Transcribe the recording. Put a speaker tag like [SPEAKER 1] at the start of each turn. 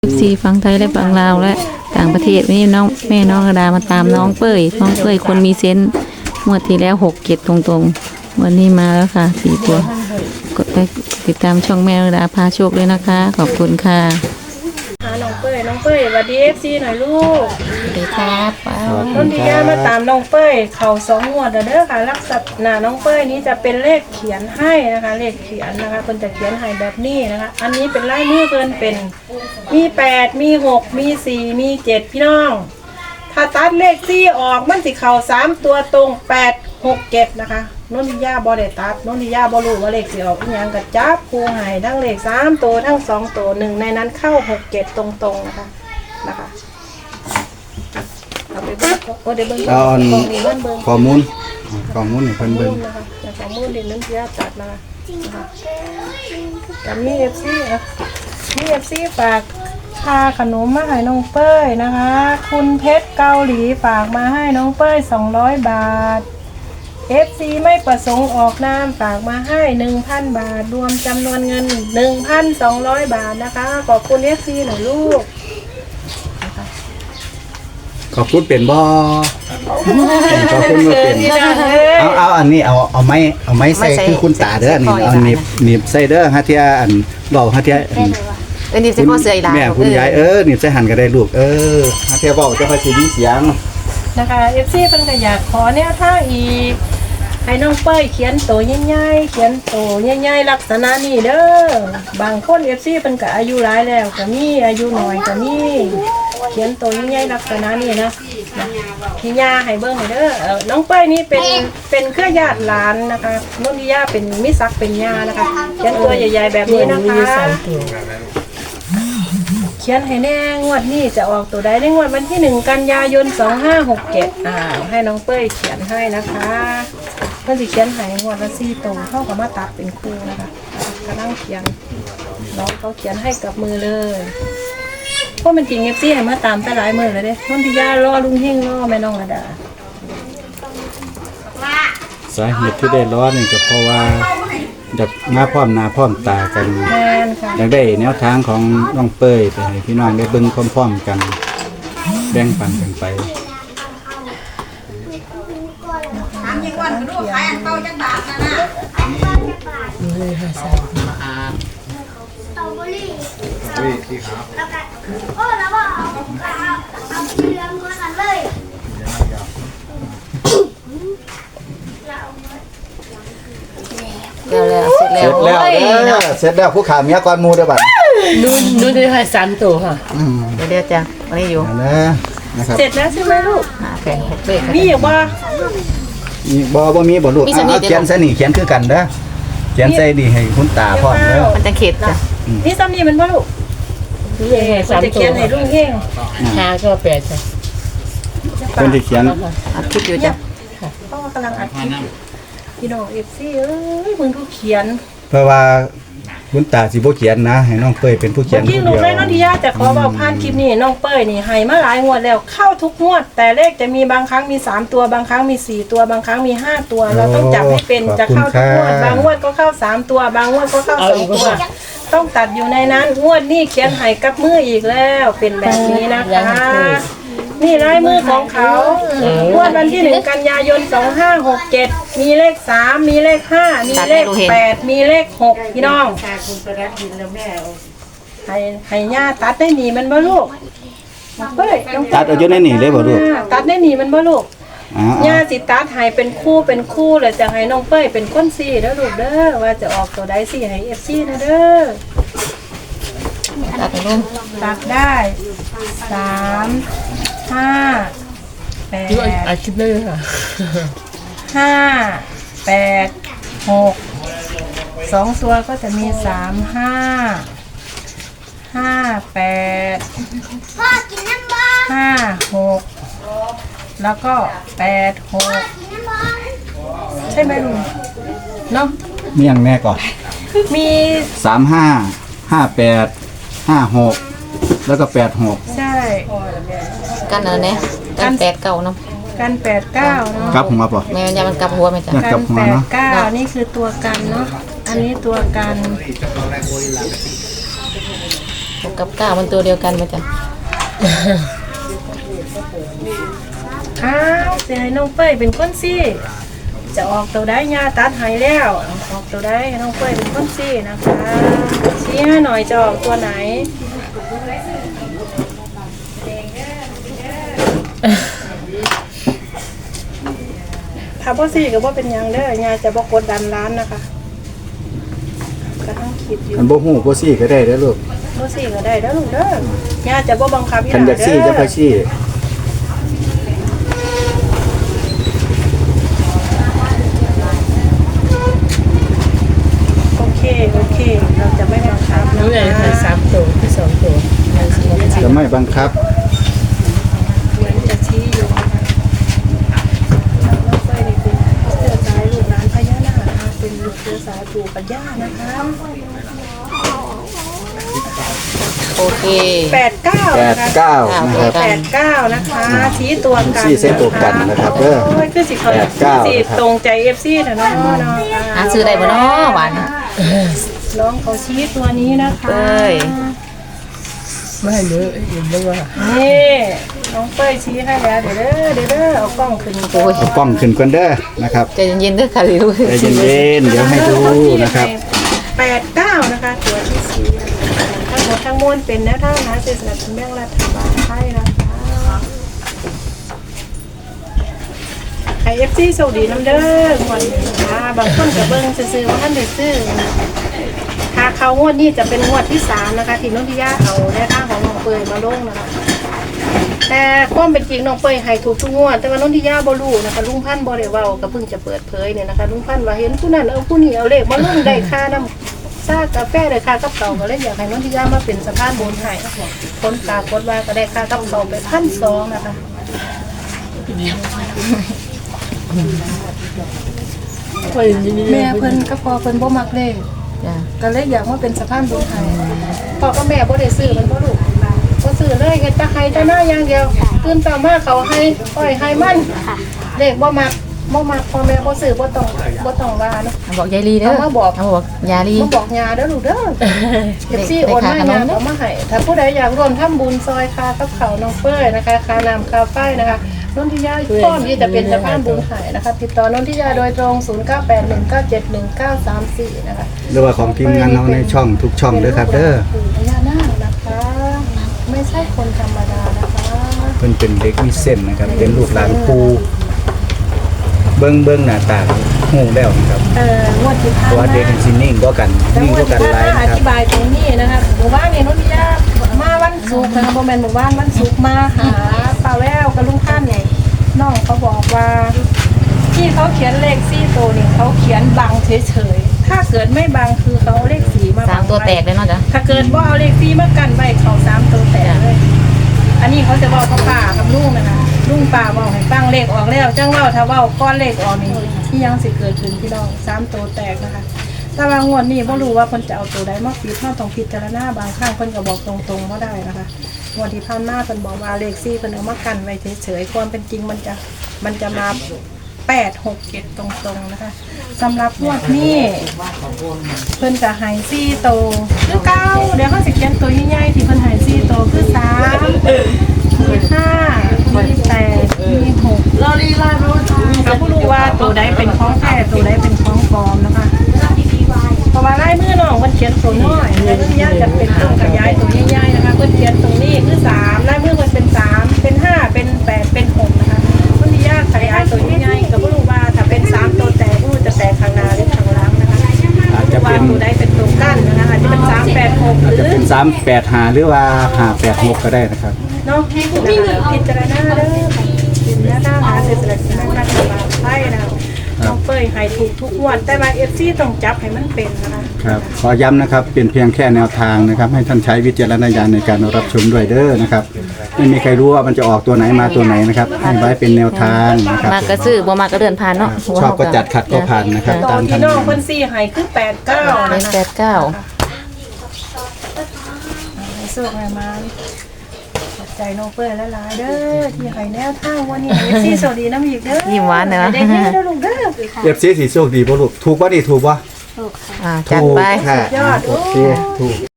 [SPEAKER 1] ซีฟังไทยและฟังลาวและต่างประเทศนี่น้องแม่น้องกระดามาตามน้องเป้ยคนมีเซนส์งวดที่แล้ว6-7ตรงๆวันนี้มาแล้วค่ะ4ตัวกดไปติดตามช่องแม่น้องกระดาพาโชคเลยนะคะขอบคุณค่ะ
[SPEAKER 2] น้องเป้ยสวัสดีFCหน่อยลูก
[SPEAKER 1] สวัสดีครับ
[SPEAKER 2] ต้นที่ย่ามาตามน้องเป้ยเข่า2งวดเด้อค่ะลักษณะน้องเป้ยนี้จะเป็นเลขเขียนให้นะคะเลขเขียนนะคะเพิ่นจะเขียนให้แบบนี้นะคะอันนี้เป็นลายมือเพิ่นเป็นมี8มี6มี4มี7พี่น้องถ้าตัดเลข4ออกมันสิเข่า3ตัวตรง8 6 7นะคะนนทิยาบ่ได้ตัดนนทิยาบ่รู้ว่าเลขสิออกอีหยังก็จับคู่ให้ทั้งเลข3ตัวทั้ง2ตัวหนึ่งในนั้นเข้า6 7ตรงๆนะคะเอาไปเบิ่งโอ้เดี๋ยวเบิ่ง
[SPEAKER 3] ข้อมูลให้เพิ่นเบิ่ง
[SPEAKER 2] นะคะข้อมูลเดี๋ยวนนทิยาตัดมานะคะกับมี FC ฝากค่าขนมมาให้น้องเป้ยนะคะคุณเพชรเกาหลีฝากมาให้น้องเป้ย200 บาทFC ไม่ประสงค์ออกนามฝากมาให้ 1,000 บาทรวมจำนวนเงิน 1,200 บาทนะคะขอบคุณ FC หน่อยลูก
[SPEAKER 3] ขอบคุณเป็นบ่ขอบคุณบ่เป็นเอาอันนี้เอาไม้ใส่คือคุณตาเด้อนี่เอาหนีบใส่เด้อฮะเที่ยอันเว้าฮะเที่ย
[SPEAKER 1] นี่ใส่พ่อเสืออีหลา
[SPEAKER 3] แม่คุณยายหนีบใส่หั่นก็ได้ลูกฮะเที่ยเว้าจะค่อยสิมีเสียง
[SPEAKER 2] นะคะ FC เพิ่นก็อยากขอแนวทางอีกให้น้องเป้ยเขียนโตใหญ่ๆเขียนโตใหญ่ๆลักษณะนี้เด้อบางคน FC เพิ่นก็อายุหลายแล้วก็มีอายุน้อยก็มีเขียนโตใหญ่ๆลักษณะนี้นะพี่ย่าให้เบิ่งให้เด้อน้องเป้ยนี่เป็นเครือญาติหลานนะคะนนทิยาเป็นมิศักดิ์เป็นย่านะคะเขียนตัวใหญ่ๆแบบนี้นะคะเขียนให้แน่งวดนี้จะออกตัวใดในงวดวันที่1 กันยายน 2567ให้น้องเป้ยเขียนให้นะคะเพิ่นสิเขียนให้งวดละ4ตัวเท่ากับมาตัดเป็นคู่นะคะกำลังเขียนน้องเขาเขียนให้กับมือเลยเพราะมันจริงFCให้มาตามแต่หลายมื้อแล้วเด้นนทิยารอลุงเฮงรอแม่น้องระดา
[SPEAKER 3] สาเหตุที่ได้รอนี่ก็เพราะว่าอยากมาพร้อมหน้าพร้อมตากัน
[SPEAKER 2] แม่นค่ะ
[SPEAKER 3] อยากได้แนวทางของน้องเป้ยไปให้พี่น้องได้เบิ่งพร้อมๆกันแบ่งปันกันไป
[SPEAKER 2] ถามยังวันก็ดูขายอันเก่าจังบาทนะเลยค่ะสตรอเบอรี่แล้วก็แล้วก็เอาเรื่องมากันเลย
[SPEAKER 1] เสร็จ
[SPEAKER 3] แล้วผู้ขาเมียก่อนหมู่เด้อบัด
[SPEAKER 4] นู่นได้ให้3ตัวค่ะ
[SPEAKER 1] เดี๋ยวจ้ะวันนี้อยู่
[SPEAKER 3] นะครับ
[SPEAKER 2] เสร็จแล้วใช่ไหมลูก
[SPEAKER 1] แผ่น6เป้
[SPEAKER 2] มีอยู่บ่
[SPEAKER 3] บ่มีบ่ลูกเขียนซะนี่เขียนคือกันเด้อเขียนใส่ดีให้คุณตาพร้อมเด้อ
[SPEAKER 1] มันจะเข็ดจ้ะ
[SPEAKER 2] นี่ซ้ำนี่มันบ่ลูก
[SPEAKER 4] นี่ให้3ตัว
[SPEAKER 2] เขียนให้ลุงเฮง
[SPEAKER 4] 5ก็8จ้ะ
[SPEAKER 3] เพิ่นสิเขียน
[SPEAKER 1] อัดคลิปอยู่จ้ะ
[SPEAKER 2] พ่อกำลังอัดคลิปพี่น้อง FC มึงก็เขียน
[SPEAKER 3] เพราะว่าคุณตาสิบ่เขียนนะให้น้องเป้ยเป็นผู้เขียนผู้เดียว
[SPEAKER 2] ที่ลูกได้น้องทิยาจะขอบอกผ่านคลิปนี้น้องเป้ยนี่ให้มาหลายงวดแล้วเข้าทุกงวดแต่เลขจะมีบางครั้งมี3ตัวบางครั้งมี4ตัวบางครั้งมี5ตัวเราต้องจับให้เป็นจะเข้าทุกงวดบางงวดก็เข้า3ตัวบางงวดก็เข้า2ตัวต้องตัดอยู่ในนั้นงวดนี้เขียนให้กับมืออีกแล้วเป็นแบบนี้นะคะนี่ลายมือของเขางวดวันที่1 กันยายน 2567มีเลข3มีเลข5มีเลข8มีเลข6พี่น้องให้ย่าตัดได้หนีมันบ่ลูกเฮ้ย
[SPEAKER 3] ตัดเอาอยู่ในนี่เลยบ่ลูก
[SPEAKER 2] ตัดได้หนีมันบ่ลูกย่าสิตัดให้เป็นคู่เลยจะให้น้องเป้ยเป็นคนซี่เด้อลูกเด้อว่าจะออกตัวใดซี่ให้ FC นะเด้อ
[SPEAKER 1] ตัดลง
[SPEAKER 2] ตัดได้3 5 8
[SPEAKER 4] อาคลิปเลยค่ะ
[SPEAKER 2] 5 8 6 2ตัวก็จะมี3 5 8พ่อกินน้ำบ้าง5 6แล้วก็8 6ใช่ไหมลุงเนาะ
[SPEAKER 3] มีอย่างแม่ก่อน
[SPEAKER 2] มี
[SPEAKER 3] 35 58 56แล้วก็86
[SPEAKER 2] ใช่
[SPEAKER 1] กันเนี่ยกัน8-9เนาะ
[SPEAKER 2] กัน8-9เนาะ
[SPEAKER 3] กลับหัวป่ะ
[SPEAKER 1] แม่มันกลับหัวไหมจ๊ะ
[SPEAKER 2] กัน8-9นี่คือตัวกันเนาะอันนี้ตัวกัน
[SPEAKER 1] 6กับ9มันตัวเดียวกันมาจ้ะ
[SPEAKER 2] อ้าวสิให้น้องเป้ยเป็นคนซี่จะออกตัวได้ยาตัดใหายแล้วออกตัวได้ให้น้องเป้ยเป็นคนซี่นะคะชี้ให้หน่อยจะออกตัวไหนถ้าพ่อซี่ก็บ่เป็นหยังเด้อยาจะบ่กดดันร้านนะคะก็ต้องคิดอยู่
[SPEAKER 3] มันบ่ฮู้บ่ซี่ก็ได้เด้อลูก
[SPEAKER 2] พ่อซี่ก็ได้แล้วลูกเด้อยาจะบ่บังคับ
[SPEAKER 3] คันอยากซี่จะค่อยซี่
[SPEAKER 2] โอเคเราจะไม่บังคับ
[SPEAKER 4] หนูอยากให้3ตัวที่2ตัวมันสิบ่
[SPEAKER 3] จะไม่บังคับ
[SPEAKER 2] เหมือนจะชี้อยู่นะคะเราเป้ยนี่เป็นเสื้อสายลูกหลานพญานาคนะคะเป็นลูกเสื้อสายปู่กับย่านะคะ
[SPEAKER 1] โอเค
[SPEAKER 2] 89นะคะ
[SPEAKER 3] 89นะครับ
[SPEAKER 2] 89นะคะชี้ตัวกัน
[SPEAKER 3] ชี้เส้นตัวกันนะครับเด้อ
[SPEAKER 2] โอ้ยคือสิเขา
[SPEAKER 3] 89
[SPEAKER 2] สิตรงใจ FC นะเนาะ
[SPEAKER 1] หาซื้อได้บ่เนาะหวาน
[SPEAKER 2] น้องเขาชี้ตัวนี้นะคะ
[SPEAKER 1] เป้ย
[SPEAKER 4] ไม่ให้หนูเห็นเลยว่า
[SPEAKER 2] นี่น้องเป้ยชี้ให้แล้วเดี๋ยวเด้อเอากล้องขึ้น
[SPEAKER 1] โอ้ย
[SPEAKER 3] เอากล้องขึ้นก่อนเด้อนะครับ
[SPEAKER 1] ใจเย็นๆเด้อค่ะลูก
[SPEAKER 3] ใจเย็นๆเดี๋ยวให้ดูนะครับ
[SPEAKER 2] 89นะคะตัวที่ชี้ทั้งหมดทั้งมวลเป็นแนวทางนะเศรษฐกิจแบ่งรัฐบาลไทยนะคะไอเอฟซีโชคดีน้ำเด้อหมดนะคะบางคนกับเบิ้งซื้อๆว่าท่านได้ซื้อถ้าเขางวดนี้จะเป็นงวดที่3นะคะที่น้องพิยาเอาแนวทางของน้องเปยมาลงนะคะแต่ความเป็นจริงน้องเปยให้ถูกทุกงวดแต่ว่าน้องพิยาบ่รู้นะคะลุงพันธุ์บ่ได้เว้าก็เพิ่งจะเปิดเผยเนี่ยนะคะลุงพันธุ์ว่าเห็นผู้นั้นเอาผู้นี้เอาเลขมาลงได้ค่าน้ำซากาแฟได้ค่ากับเขาก็เลยอยากให้น้องพิยามาเป็นสะพานบุญให้ผลปรากฏว่าก็ได้ค่ากับเขาไป1,200นะคะแม่เพิ่นก็พอเพิ่นบ่มักเลข
[SPEAKER 1] จ้ะ
[SPEAKER 2] ก็เลยอยากมาเป็นสะพานบุญไทยพ่อกับแม่บ่ได้ซื้อมันบ่ลูกบ่ซื้อเลยเฮ็ดแต่ให้แต่หน้าอย่างเดียวตื่นต่อมาเขาให้อ้อยให้มันเลขบ่มักพ่อแม่บ่ซื้อบ่ต้องว่าเนาะ
[SPEAKER 1] บอกยายลีเด้อ
[SPEAKER 2] เอามาบอก
[SPEAKER 1] เอาบอกยาลี
[SPEAKER 2] บ่บอกยาเด้อลูกเด้อเอฟซีโอนมาให้ยาเอามาให้ถ้าผู้ใดอยากร่วมทำบุญซอยค่ากับเขาวน้องเป้ยนะคะค่าน้ำค่าไฟนะคะนนทิยาพร้อมที่จะเป็นสะพานบุญไทยนะคะติดต่อนนทิยาโดยตรง0981971934นะคะ
[SPEAKER 3] หรือว่าของทีมงานเราในช่องทุกช่องเด้อครับเด้อ
[SPEAKER 2] ปู่พญานาคนะคะ ไม่ใช่คนธรรมดานะคะ
[SPEAKER 3] เพิ่นเป็นเด็กมีเส้นนะครับ เป็นลูกหลานปู่เบิ่งหน้าตาฮู้แล้วนะครับ
[SPEAKER 2] งวดที่
[SPEAKER 3] เพ
[SPEAKER 2] ผ่าน
[SPEAKER 3] ราะว่าเด็กมันสินิ่งกว่ากัน
[SPEAKER 2] แต่
[SPEAKER 3] นิ่ง
[SPEAKER 2] งว
[SPEAKER 3] ก
[SPEAKER 2] ด
[SPEAKER 3] ว่า
[SPEAKER 2] ที่
[SPEAKER 3] กันห
[SPEAKER 2] ผ่าน
[SPEAKER 3] ลาย
[SPEAKER 2] มาอ
[SPEAKER 3] นะครับ
[SPEAKER 2] ธิบายตรงนี้นะคะหมู่บ้านเนี่ยนนทิยามาวันศุกร์นะคะโมเมนต์หมู่บ้านวันศุกร์มาหาป้าแววกับลุงท่านเนี่ยน้องเขาบอกว่า ที่เขาเขียนเลข4ตัวนี่เขาเขียนบังเฉยๆถ้าเกิดไม่บังคือเขาเอาเลข4มาบัง
[SPEAKER 1] 3ตัวแตกเลยเนาะจ้ะ
[SPEAKER 2] ถ้าเกิดว่าเอาเลข4มากันไว้เขา3ตัวแตกเลย อันนี้เขาจะบอกกับป้ากับลุงนะคะลุงป้าบอกให้ฟังเลขออกแล้วจังเว่าถ้าเว่าก้อนเลขออกนี่ที่ยังสิเกิดขึ้นพี่น้อง3ตัวแตกนะคะแต่ว่างวดนี้บ่รู้ว่าเพิ่นจะเอาตัวใดมาปิดเฮาต้องพิจารณาบางครั้งเพิ่นก็บอกตรงๆบ่ได้นะคะงวดที่ผ่านมาเพิ่นบอกว่าเลข4เพิ่นเอามากันไว้เฉยๆความเป็นจริงมันจะมา8 6 7ตรงๆนะคะสำหรับงวดนี้เพิ่นจะให้4ตัวคือเก้าเดี๋ยวเขาสิเขียนตัวใหญ่ๆที่เพิ่นให้4ตัวคือ3มี5มี8มี6เราลีลารู้ก็บ่รู้ว่าตัวใดเป็นของแท้ตัวใดเป็นของปลอมนะคะเพราะว่าลายมือน้องเพิ่นเขียนตัวน้อยแต่เพิ่นอยากจะเป็นตัวขยายตัวใหญ่ๆนะคะเพิ่นเขียนตรงนี้คือ3ลายมือเพิ่นเป็น3เป็น5เป็น8เป็น6นะคะเพิ่นอยากขยายตัวใหญ่ๆก็บ่รู้ว่าถ้าเป็น3ตัวแตกบ่รู้จะแตกข้างหน้าหรือข้างหลังนะคะ
[SPEAKER 3] อาจจะเป็น
[SPEAKER 2] ว่าตัวใดเป็นตัวกั้นนะคะอาจจะเป็น386หรือ
[SPEAKER 3] เป็น385หรือว่า586ก็ได้นะครับ
[SPEAKER 2] เนาะมีเงินพิจารณาเด้อพิจารณาหาเศรษฐกิจนักรัฐบาลไทยนะน้องเป้ยให้ถูกทุกงวดแต่ว่า FC ต้องจับให้มันเป็นนะคะ
[SPEAKER 3] ครับขอย้ำนะครับเป็นเพียงแค่แนวทางนะครับ ให้ท่านใช้วิจารณญาณในการรับชมด้วยเด้อนะครับไม่มีใครรู้ว่ามันจะออกตัวไหนมาตัวไหนนะครับให้ไว้เป็นแนวทางนะครับ
[SPEAKER 1] มากก็ซื้อบ่มากก็เดินผ่านเนาะ
[SPEAKER 3] ชอบก็จัดขัดก็ผ่านนะครับ
[SPEAKER 2] ตัว
[SPEAKER 3] ตาม
[SPEAKER 2] ที่
[SPEAKER 3] ทัน
[SPEAKER 2] น้องเพิ่น4ให้คือ89
[SPEAKER 1] เล
[SPEAKER 2] นะ
[SPEAKER 1] ข
[SPEAKER 2] คะ
[SPEAKER 1] 89
[SPEAKER 2] ให้สู้ให้มาขอบใจน้องเป้ยหลายๆเด้อที่ให้แนวทางวันนี้ FC สวัสดีน้ำอีกเด้อ
[SPEAKER 1] ยิ้มหวานเนอะ
[SPEAKER 2] ได้เด้อลูกเด้อ
[SPEAKER 3] เอฟซีสีโชคดีบ่ลูกถูกป่ะนี่ถูกป่ะ
[SPEAKER 1] จัดไป
[SPEAKER 3] ถูกค่ะโอเคถูก